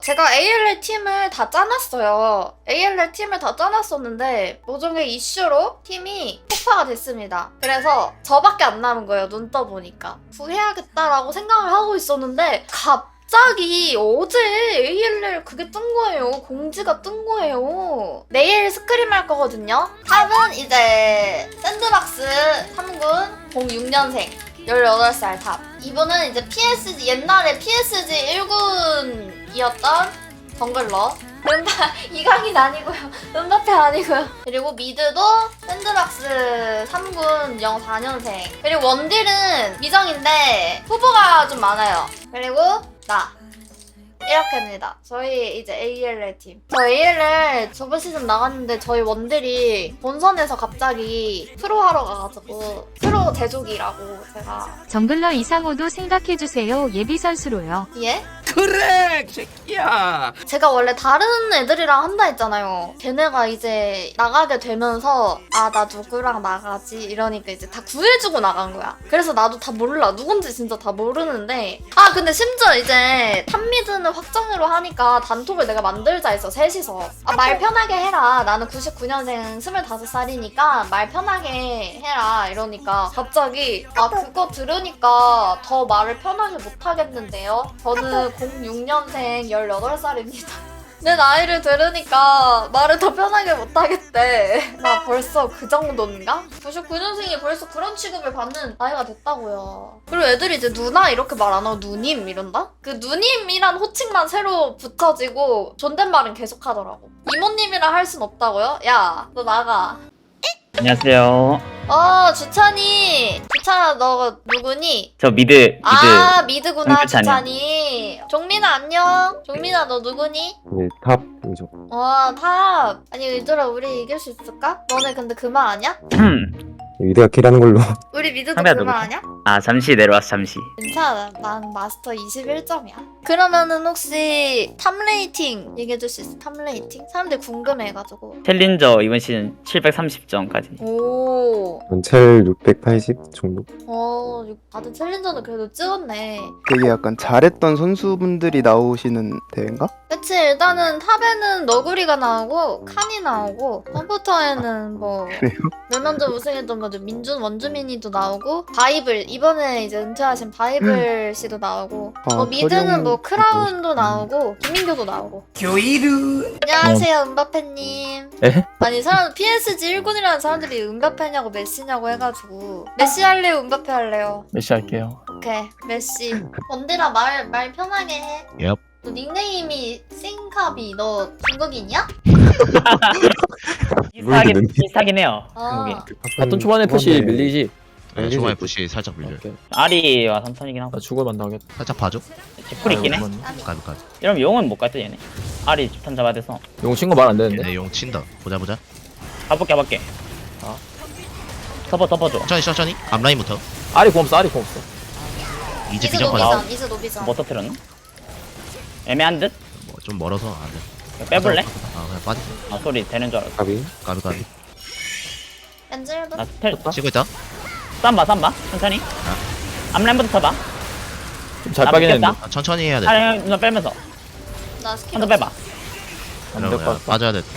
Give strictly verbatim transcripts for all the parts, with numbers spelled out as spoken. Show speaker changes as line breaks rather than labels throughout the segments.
제가 에이엘엘 팀을 다 짜놨어요. 에이엘엘 팀을 다 짜놨었는데 모종의 이슈로 팀이 폭파가 됐습니다. 그래서 저밖에 안 남은 거예요. 눈 떠보니까. 구해야겠다라고 생각을 하고 있었는데 갑자기 어제 에이엘엘 그게 뜬 거예요. 공지가 뜬 거예요. 내일 스크림 할 거거든요. 탑은 이제 샌드박스 삼 군 공육 년생 열여덟 살 탑. 이분은 이제 피에스지, 옛날에 피에스지 일 군이었던 정글러. 은바, 이강인 아니고요. 은바페 아니고요. 그리고 미드도 샌드박스 삼 군 영사 년생. 그리고 원딜은 미정인데 후보가 좀 많아요. 그리고 나. 이렇게입니다. 저희 이제 에이엘엘 팀. 저 에이엘엘 저번 시즌 나갔는데 저희 원딜이 본선에서 갑자기 프로 하러 가가지고 프로 제조기라고 제가.
정글러 이상호도 생각해주세요. 예비 선수로요.
예?
그래 새끼야.
제가 원래 다른 애들이랑 한다 했잖아요. 걔네가 이제 나가게 되면서 아 나 누구랑 나가지 이러니까 이제 다 구해주고 나간 거야. 그래서 나도 다 몰라. 누군지 진짜 다 모르는데 아 근데 심지어 이제 탑미드는 확정으로 하니까 단톡을 내가 만들자 했어. 셋이서. 아 말 편하게 해라. 나는 구십구 년생 스물다섯 살이니까 말 편하게 해라 이러니까 갑자기 아 그거 들으니까 더 말을 편하게 못하겠는데요. 저는 공육 년생 열여덟 살입니다. 내 나이를 들으니까 말을 더 편하게 못하겠대. 나 벌써 그 정도인가? 구십구 년생이 벌써 그런 취급을 받는 나이가 됐다고요. 그리고 애들이 이제 누나 이렇게 말 안 하고 누님 이런다? 그 누님이란 호칭만 새로 붙여지고 존댓말은 계속 하더라고. 이모님이라 할 순 없다고요? 야, 너 나가.
안녕하세요.
어, 주찬이. 주찬아, 너 누구니?
저 미드, 미드.
아, 미드구나,
홍주찬이요.
주찬이. 종민아, 안녕. 종민아, 너 누구니?
네, 탑이죠.
와, 탑. 아니, 얘들아, 우리 이길 수 있을까? 너네 근데 그만 아냐?
위대가 킬하는 걸로.
우리 미드도
상대가
그만
누구지?
아냐?
아, 잠시 내려왔어, 잠시.
괜찮아. 난 마스터 이십일 점이야. 그러면은 혹시 탑 레이팅 얘기해줄 수 있어? 탑 레이팅? 사람들 궁금해가지고.
챌린저 이번 시즌 칠백삼십 점까지.
오.
전첼 육백팔십 정도.
어, 다들 챌린저는 그래도 찍었네.
되게 약간 잘했던 선수분들이 나오시는 대회인가?
그치, 일단은 탑에는 너구리가 나오고 칸이 나오고 컴퓨터에는 뭐 멸망전 우승했던 거죠. 민준 원주민이도 나오고 바이블 이번에 이제 은퇴하신 바이블 씨도 나오고
아,
뭐 미드는
서령-
뭐 크라운도 나오고 김민교도 나오고.
교이루.
안녕하세요 은바페님.
에?
아니 사람 피에스지 일 군이라는 사람들이 은바페냐고 메시냐고 해가지고 메시 할래요 은바페 할래요?
메시 할게요.
오케이 메시. 언제나 말 말 편하게 해.
옙.
너 닉네임이 싱카비. 너 중국인이야?
비슷하긴,
모르겠는데.
비슷하긴 해요.
아.
한국이.
같은 초반에 푸시 밀리지.
네,
초반에 푸시 살짝 밀려.
오케이.
아리와 삼선이긴 하고.
나 죽을 만도 하겠다.
살짝 봐줘.
풀 있긴 해.
아이고, 그만.
가비 가비.
이러면 용은 못 갔다, 얘네. 아리 집탄 잡아야 돼서.
용 친구 말 안 되는데.
얘네 용 친다. 보자 보자.
가볼게, 가볼게.
아.
덮어, 덮어줘.
천천히 천천히. 앞라인부터.
아리 공 없어, 아리 공 없어.
이제
이즈
비전 빠져.
노비전 이즈 노비전.
뭐 터트렸나? 애매한 듯?
뭐좀 멀어서 안 돼.
이거 빼볼래?
아 그냥 빠져.
아, 소리 되는 줄 알았어.
가비.
가비 가비.
엔젤도
나 스텔,
치고 있다.
쌈봐, 쌈봐. 천천히. 앞라인부터 쳐봐.
좀잘
나
빠긴
믿겠다.
했는데.
아, 천천히 해야 돼.
아리, 누나 빼면서.
나 스킬
한 번 빼봐.
안 될 것
이러면
같다.
빠져야 돼.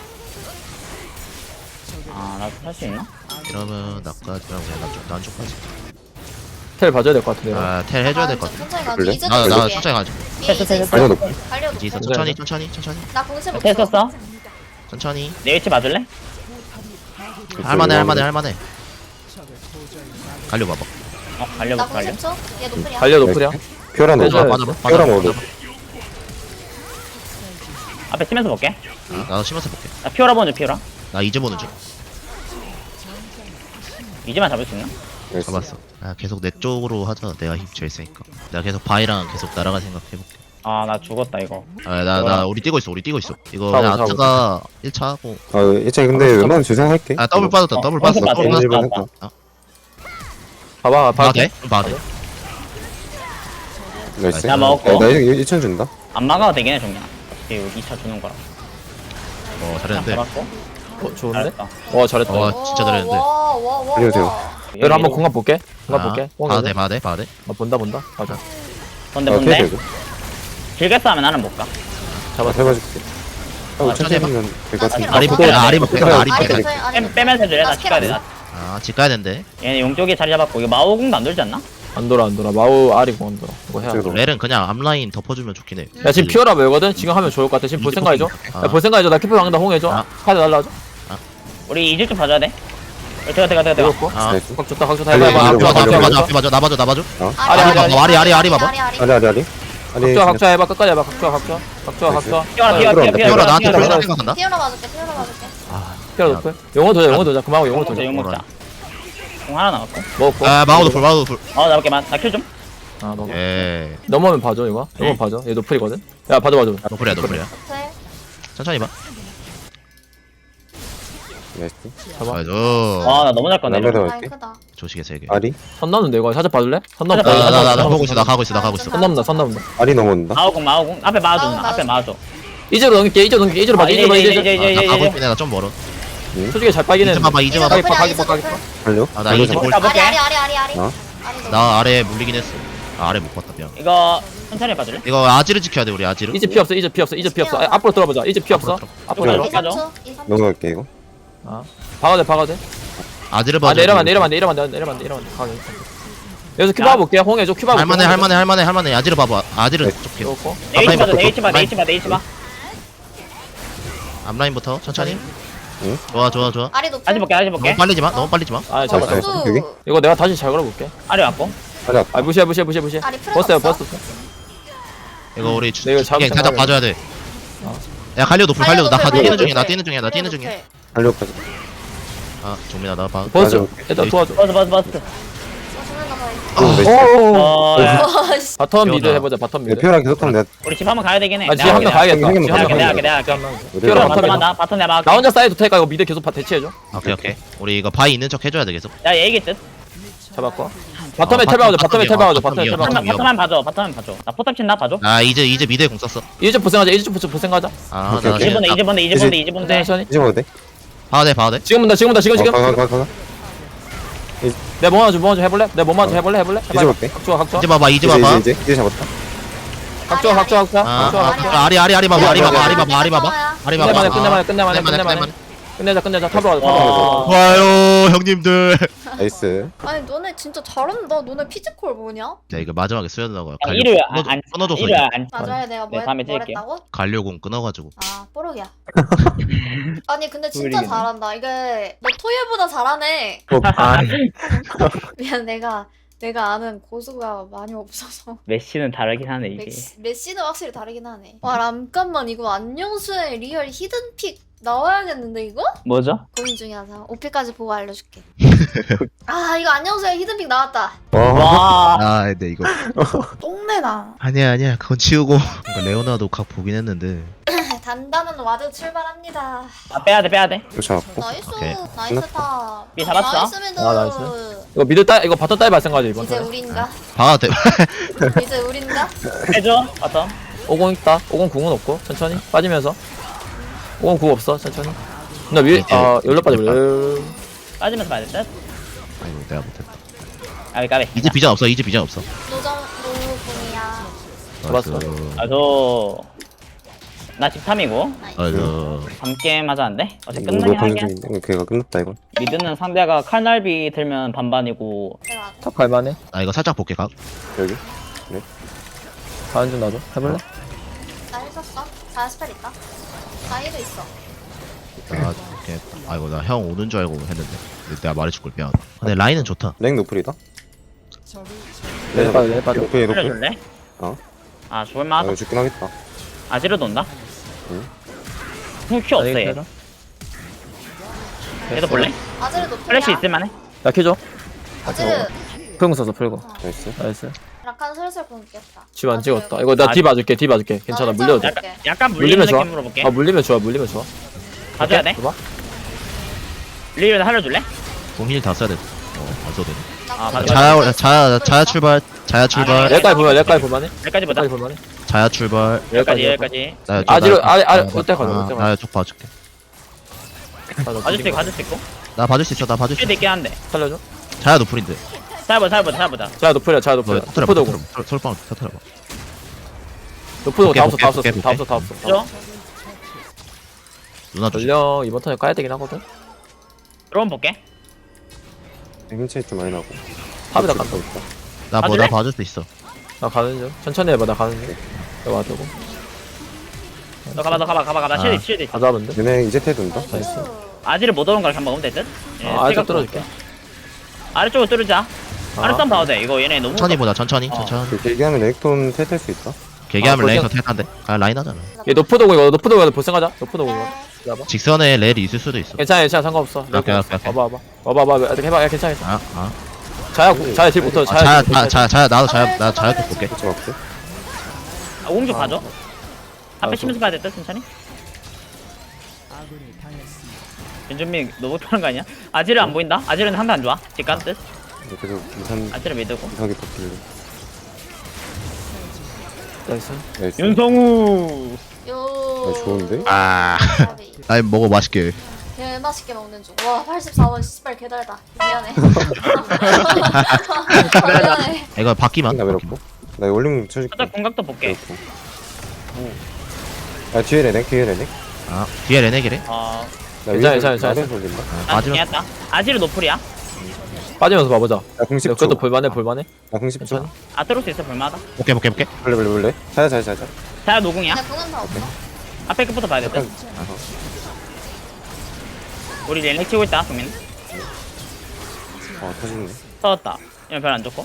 아, 나 할 수 있나?
이러면 나까지랑 난쪽 난쪽까지.
텔 봐줘야 될 것 같은데.
아텔 해줘야 될 것 같아.
천천히 가.
그래?
이즈
나나
노비전.
천천히 가지.
됐어, 됐어, 됐어.
아니야, 높이.
달려도.
이제 있어.
돼.
천천히 천천히 천천히
나 공세 못
됐었어?
천천히.
내 위치 맞을래?
할만해 할만해 할만해. 갈려 봐봐.
어,
나
달려볼까, 달려?
공세 쳐. 얘 노플이야.
달려 노플이야.
피어라
네,
넣어.
저-
맞아
피어라
맞아.
넣어.
앞에 치면서 볼게.
나도 심어서 볼게.
나 피오라 보는 중, 피오라.
나 이제 보는 중.
이제만 잡을 수 있나?
잡았어. 아, 계속 내 쪽으로 하자. 내가 힘 제일 세니까. 내가 계속 바이랑 계속 날아갈 생각 해볼게.
아, 나 죽었다, 이거.
아, 나, 나, 우리 뛰고 있어. 우리 뛰고 있어. 이거
사고,
그냥
사고.
아트가 일 차 하고.
아, 일단 근데
아,
웬만하면 주생할게.
아, 더블 빠졌다.
어,
더블
원수
빠졌다.
빠져,
더블
원수
빠졌다.
빠져.
아,
봐봐,
봐도
봐봐.
돼? 봐도 돼?
나이스.
나 먹었고.
야, 나 이거 일천 준다.
안 막아도 되긴 해, 종이야. 여기 이 차 주는 거라.
어,
그냥
잘했는데.
잡았고.
어, 좋은데?
잘했다.
와, 잘했다.
어, 진짜 잘했는데.
와와와
알려주세요.
얘를 한번 공간 볼게. 공간
아,
볼게.
봐도 돼, 봐도 돼, 봐도 돼.
아, 본다, 본다. 맞아.
근데
아,
뭔데?
피해줘, 이거.
길게 싸우면 나는 못 가.
잡아 잡아줄게. 어, 천천히
해봐.
하면 될 것 같은데.
아리
아,
볼게. 아리 볼게. 아리
아리
볼게.
노플, 아리
빼,
노플.
빼면서 해줄래? 나
나
집 가야 돼.
스킬
나.
아, 집 가야 된대.
얘네 용쪽에 자리 잡았고 이거 마오궁도 안 돌지 않나?
안 돌아 안 돌아. 마우 아리고 안 돌아. 이거 해야 돼.
저기로.
렐은 그냥 앞라인 덮어주면 좋긴 해.
야 지금 피어라 뭐거든? 지금 하면 좋을 것 같아. 지금 볼 생각해줘.
아.
야 볼 생각해줘. 나 키퍼 강다 홍해줘.
아.
카드 날라줘.
우리 이질 좀 봐줘야 돼. 어, 들어가 들어가 들어가.
이거
아,
나이스.
각 좋다 각 좋다.
아니,
해봐
아,
아니,
해봐.
앞에
아니,
봐줘,
아니,
앞에 봐줘, 앞에 봐줘, 나 봐줘, 나 봐줘.
아리, 아리, 아리.
아리, 아리, 아리 봐봐.
아리 아리 아리. 아리.
각자 각자 해봐. 끝까지 해봐. 각자 각자. 각자
나이스.
각자.
피어라 피어라
들어온다,
피어라
피어라 나한테
피어라.
플레이 생각한다.
피어라 봐줄게, 피어라 봐줄게.
피어라 높여. 영어 도자 영어 도자. 그만하고 영어
용
도자.
먹자 용 먹자. 공 하나 남았고.
먹었고.
아, 마우도 풀, 마우도 풀.
어 나볼게만. 나킬 좀.
아 먹어.
예.
넘어오면 봐줘 이거. 넘어오면 봐줘. 얘 노플이거든. 야 봐줘 봐줘.
노플이야, 노플이야.
노플.
천천히 봐.
나이스.
봐봐.
아이고.
와나 너무 잘 건네.
남에다
라인
갈게.
크다.
조식에 세 개.
아리.
선 넘는데 이거 살짝 봐줄래? 선 넘.
살짝
나, 나, 나, 나
선
보고 있어, 나 가고 있어, 나 가고 있어.
넘는다 선 넘는다.
아리 넘어온다.
마오궁 마오궁 앞에 마아줘
마오궁,
누나. 앞에 마아줘.
이제로 넘길게. 이제로 넘길게. 이제로
아,
봐줘. 이제로 봐.
이제,
이제.
이제,
이제.
이제,
아, 나
이제,
가고
이제.
있긴 해, 나 좀 멀어.
솔직히 잘 빨긴 해.
이제 봐봐, 이제
이제
봐봐.
노플이야,
가기,
이제
가기,
노플.
달려.
아, 나 이제 볼,
볼-
아리, 아리, 아리, 아리, 아리.
어?
아리 노플.
나 아래 물리긴 했어. 아, 아래 못 봤다, 미안.
이거 천천히 봐줄래?
이거 아지를 지켜야 돼, 우리 아지를.
이제 피 없어. 이제 피 없어. 이제 피 없어. 아, 앞으로 들어보자. 이제 피 없어. 앞으로
앞으로
들어.
이, 삼 초, 이, 삼 초.
넘어갈게 이거.
박아대 박아대.
아지를
아
봐줘.
내려만 내려만 내려만 내려만 내려만 가게. 여기서 큐바 볼게. 홍해줘. 큐바 볼게.
할만해, 할만해, 할만해, 할만해. 아지를 봐봐. 아지를
네.
좁게.
좋고.
네이치 봐줘
앞라인
네이치 봐
앞라인.
네이치 봐 네이치 봐.
앞라인부터 천천히.
응?
좋아, 좋아, 좋아.
아리 노플.
아직 볼게 아직 볼게.
너무 빨리지 마, 너무 빨리지 마.
아
어,
잡아.
나이스.
수수.
여기?
이거 내가 다시 잘 걸어볼게.
아래 왔고.
아리 왔다.
아 무시해 무시해 무시해 무시해.
아리 풀
버스야
없어?
버스.
이거 우리 주,
네, 이거
주, 그냥
잡을
살짝
생각해.
봐줘야 돼.
어.
야, 갈려 높을, 갈려. 나
갈려
뛰는
높을,
중이야, 나
갈려
뛰는 중이야, 나 뛰는 중이야.
달려까지.
아, 종민아, 나 봐.
버스.
맞아.
일단 도와줘.
버스 버스 버스.
어, 죽는다, 거의.
오,
오.
어 야.
와, 씨.
바텀 미드
피어나.
해보자. 바텀
내
미드.
피어랑 계속하면 내가
우리 집 한번 가야 되긴 해.
아 지금 한 명 가야겠다.
형님
지금 한
먼저
명
내가
가야겠다.
할게, 내가 할게.
어디로
피어라,
가?
바텀
바텀 나 바텀 내가
나 혼자 사이드 테니까 이거 미드 계속 바 대치해줘.
오케이, 오케이. 우리 이거 바위 있는 척 해줘야 돼, 계속.
야 얘기 뜻.
잡았고. 바텀에
아,
텔 봐줘.
바텀
바텀에 텔
위험,
봐줘.
바텀
바텀에 텔
위험.
봐줘.
바텀만
위험.
바텀만 봐줘 바텀만 봐줘. 나 포탑 친다 봐줘.
아, 이제, 이제 미드에 공 썼어.
이제 보생하자. 이제 보생 보생하자.
아,
오케이,
나
오케이.
이제 본데 이제 본데 이제 본데 이제 본데.
천천히.
이제 먹어도 돼?
봐도 돼, 봐도 돼.
지금 본다. 지금 본다. 지금 지금.
어, 가, 가, 가, 가.
내 뭐만 좀 뭐만 좀 해볼래? 내 뭐만 좀 해볼래? 해볼래?
이제 볼게.
각좋아 각좋아.
이제 봐봐, 이제
이제
봐봐.
이제 이제 이제 잡았다.
각좋아 각좋아 각좋아.
아,
각좋아
아,
각좋아.
아리, 아리, 아리 봐봐, 아리 봐봐, 아리 봐봐, 아리 봐봐. 아리 봐봐.
끝내만해
아,
끝내만해 끝내만해
끝내만해,
끝내만해. 끝내자 끝내자. 탑으로 가자. 탑으로
와.
가자.
좋아요, 형님들.
나이스.
아니, 너네 진짜 잘한다. 너네 피지컬 뭐냐?
자, 이거 마지막에 쓰여나가.
야, 일요일 안- 안-
끊어줘서
일요일 안.
맞아요, 내가 뭐,
네, 다음에
뭘
찍을게요.
했다고?
갈려공 끊어가지고.
아, 뽀록이야. 아니, 근데 진짜
꿀이네.
잘한다. 이게, 너 토요일보다 잘하네.
어, 아,
미안, 내가, 내가 아는 고수가 많이 없어서.
메시는 다르긴 하네 이게.
메시, 메시는 확실히 다르긴 하네. 와, 잠깐만, 이거 안녕수의 리얼 히든픽 나와야겠는데, 이거?
뭐죠?
고민 중이어서. 오피까지 보고 알려줄게. 아, 이거 안녕수의 히든픽 나왔다.
와.
와.
아, 근데 이거.
똥내나.
아니야, 아니야. 그건 치우고. 그러니까 레오나도 각 보긴 했는데.
단단한 와드 출발합니다.
아 빼야 돼 빼야 돼.
이거 잡았고.
나이스,
오케이.
나이스 탑.
미 잡았어?
나이스 미드.
아, 나이스. 이거 미드 따 이거 바텀 따위 발생하지 이번
이제
턴에.
우린가?
봐도 돼.
이제 우린가?
해줘. 바텀.
오공 있다. 오공 궁은 없고 천천히 빠지면서. 오공 궁 없어 천천히. 나 위에
이제
아 열로 빠져. 열로.
빠지면서 봐야 될 듯.
아이고, 내가 못했다.
까비 까비.
이제 비전 없어, 이제 비전 없어.
노정 노공이야.
잡았어.
아저. 나 집탐이고
아이고.
밤게임 하자는데? 어제
이거
끝나긴
방금
하긴
중인데 걔가 끝났다 이거.
미드는 상대가 칼날비 들면 반반이고
내가 안 해.
탑 갈만해.
아, 이거 살짝 볼게, 각.
여기.
가는 중 나도 해볼래?
나 했었어. 자 스펠 있다. 나이도 있어.
아, 이렇게. 아이고, 나 형 오는 줄 알고 했는데. 근데 내가 말해줄 걸 미안. 근데 라인은 좋다.
랭 노플이다.
내 빠져 내 빠져.
노플 노플.
살려줄래?
어?
아
아
좋을만
이거
하다.
죽긴 하겠다.
아지로 돈다?
응.
큐 없어 얘. 얘도 볼래?
아즈르 노플이야.
플래시 있을만해?
나 켜줘.
아즈르
풀공 써서 풀고.
나이스.
나이스.
약간 슬슬 굶겠다.
집 안 찍었다. 이거 나
아,
뒤 봐줄게. 뒤 봐줄게. 괜찮아. 물려도 돼.
약간 약간 물리는
물리면 좋아.
느낌으로 볼게.
아 물리면 좋아. 물리면 좋아.
가져야 돼?
봐봐.
리얼 살려줄래?
공힐 다 써야 돼. 어, 안 써도 돼.
아, 맞아.
자야, 자야, 자야 출발. 자야 출발.
여기까지 보면 여기까지 볼만해.
여기까지 보자.
여기까지 볼만해.
자야 출발.
여기까지 여기까지.
나
아지로 아리 아리 어때 가자. 어때
나 쪽 봐줄게.
가자.
가질 수 있고 가질 수 있고.
나 봐줄 수 있어, 나 봐줄 수
쉴드
있어.
있긴 한데.
살려줘.
자야 노플인데.
살보자 살보자 살보자.
자 노플이야. 자
너
노플.
터트려봐,
토프도 공.
터트려봐. 솔방 터트려봐.
노프도
볼게,
다 없어 다 없어
볼게,
다 없어 다 없어 다
그죠?
없어.
누나 주지.
전령 이번 턴에 까야 되긴 하거든.
드론 볼게.
힘차이 좀 많이 나고.
탑에다 간다.
있다.
나 뭐
봐줄래?
나 봐줄 수 있어.
나 가는 중. 천천히 해봐 나 가는 중. 내가 와주고.
너 가봐 너 가봐 가봐 가봐.
아.
쉴드 쉴드 있어.
다 잡은데.
얘네 이제 테든다.
나이스.
아지를 못 오는 걸 한번 먹으면 될 듯? 예,
아, 아래쪽
생각
뚫어줄게.
아래쪽으로 뚫자.
아.
아래 쌈 봐도 돼. 이거 얘네 너무
천천히 보자. 천천히.
어.
천천히.
그 얘기하면 렉톤 텔 수 있다.
개개하면
아,
레이서
거기서-
탈한데. 아 라인 하잖아.
얘 노프도고 이거 노프도고 이거 볼생 가자. 노프도고 이거. 잡아.
직선에 렐이 있을 수도 있어.
괜찮아 괜찮아 상관없어.
오케이, 오케이, 오케이.
와봐 와봐 와봐 와봐 어떻게 해봐. 야 괜찮아 괜찮아.
아 아.
자야 자야 딜 못해.
아,
자야
자야
딜
자,
못해.
자, 자야 나도 자야 나 자야 좀 볼게.
그치 맞지?
아, 오공주 가져. 앞에
알았어.
치면서 봐야 될 듯? 천천히. 윤준민 너 못하는 거 아니야? 아지를 안 보인다? 아지는 상대 안 좋아. 뒷간 뜻?
계속 이산
아지를 믿고.
이상하게 버틸래.
나이스.
나이스.
윤성우.
요.
어, 좋은데?
아. 라인 먹어 맛있게.
개 맛있게 먹는 중. 와 팔십사 원 씨발 개달다. 미안해. 미안해.
이거 바퀴만.
나 외롭고. 나 이거 올림 쳐줄게.
살짝 공각도 볼게.
외롭고. 아 뒤에 레넥 뒤에 레넥.
아 뒤에 레넥이래.
어,
나
괜찮아,
위에서
괜찮아,
아래에서 올린다.
아,
난
마지막.
중요했다. 아지를 노플이야.
빠지면서 봐보자.
나 공십 초.
그것도 볼만해 볼만해.
나 공십 초.
천천히.
아트로스 있어 볼만하다.
볼게 볼게 볼게.
볼래 볼래 볼래. 자자 자자 자자.
자야 노공이야.
근데 그건 다 없어.
앞에 끝부터 봐야 될 듯?
약간
우리 렐렉 치고 있다 동민.
어 터지네.
터졌다. 이거 별안 좋고.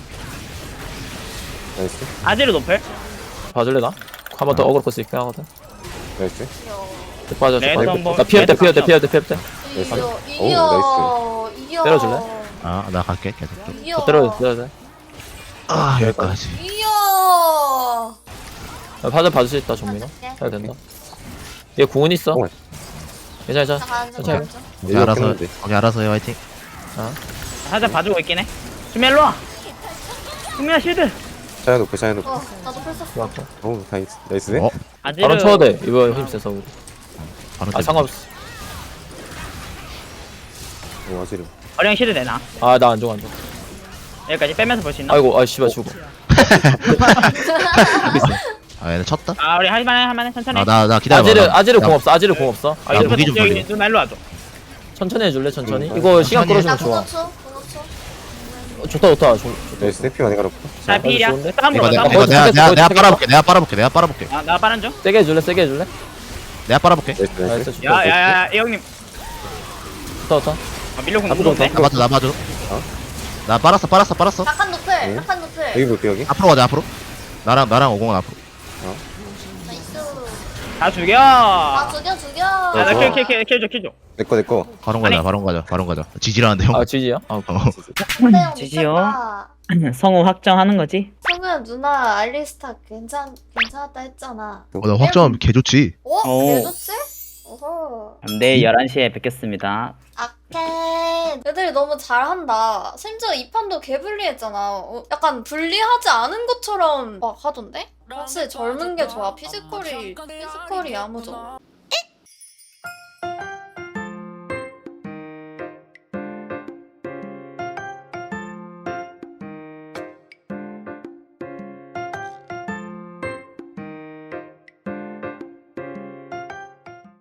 나이스.
아지를 노플.
봐줄래 나? 한 번 더 어그로 끌수 있게 하거든.
나이스.
빠져.
레드
빠져.
한번-
나 피할 때
레드
피할 때
한번-
피할 때 피할 때.
이겨
오,
이겨 이겨.
때려줄래?
아 나 갈게 계속.
이겨.
더 때려 때려 돼.
아 여기까지.
이겨.
파전 봐줄 수 있다 정민아. 해야 된다. 얘 궁은 있어.
어.
괜찮아
나
괜찮아.
가는 중
괜찮아.
가는 중.
거기 알아서 거기 알아서 해 화이팅.
살짝 봐주고 있긴 해. 수면 일로 와. 수면아 쉴드.
자야 놓고 자야 놓고.
어 나도 풀 썼어.
좋았고.
오 나이스. 나이스. 어?
아지를.
바로 쳐도 돼. 이거 힘 세서 우리.
바로
아
때려.
상관없어.
오 아지르.
어령 쉴드 되나?
아 나 안 좋아 안 좋아.
여기까지 빼면서 볼 수 있나?
아이고 아 씨발 죽어.
아 얘네 쳤다.
아 우리 할만해 할만해 천천히.
아 나 나 기다려.
아지르 아지르 공 없어. 아지르 공 없어.
아,
나
이거
무기 좀
여기
돌려.
누나 일로 와줘.
천천히 해줄래 천천히.
음,
이거 시간
천천히
나
끌어주면 좋아.
공오 초 공오 초.
어, 좋다 좋다. 좋-
나이스. 해피 많이 가렵고.
자 필이야.
좋은데?
싸움
이거
보러
내가
싸움
이거
보러.
내가
거기
내가
거기
내가
거기
빨아볼게. 내가 빨아볼게. 내가 빨아볼게.
아, 나 빠른 중.
세게 해줄래 세게 해줄래.
내가 빨아볼게.
나이스 나이스.
나이스 좋다.
야야야 이 형님.
좋다 좋다.
아, 밀려 공
앞으로
무서운데?
나 봐줘 나 봐줘. 나 빨았어 빨았어 빨았어.
약간 노플
네.
약간 노플.
여기 볼게 여기.
앞으로 가자 앞으로. 나랑 나랑 오공은 앞으로.
나이스.
다 죽여.
아
아,
죽여 죽여.
나 킬, 킬, 킬, 킬 줘, 킬 줘.
내거 내거.
바론 가자
아니.
바론 가자 바론 가자. 지지라는데 형.
아 지지야? 아
어.
형
지지요.
미쳤다.
성우 확정하는 거지?
성우야 누나 알리스타 괜찮 괜찮았다 했잖아.
어, 나 확정하면 개 좋지.
어?
오.
개 좋지? 어허.
내일 열한 시에 뵙겠습니다.
아케. 애들이 너무 잘한다. 심지어 이 판도 개 불리했잖아. 어, 약간 불리하지 않은 것처럼 막 하던데? 확실히 젊은 게 좋아. 피지컬이 피지컬이 야무져.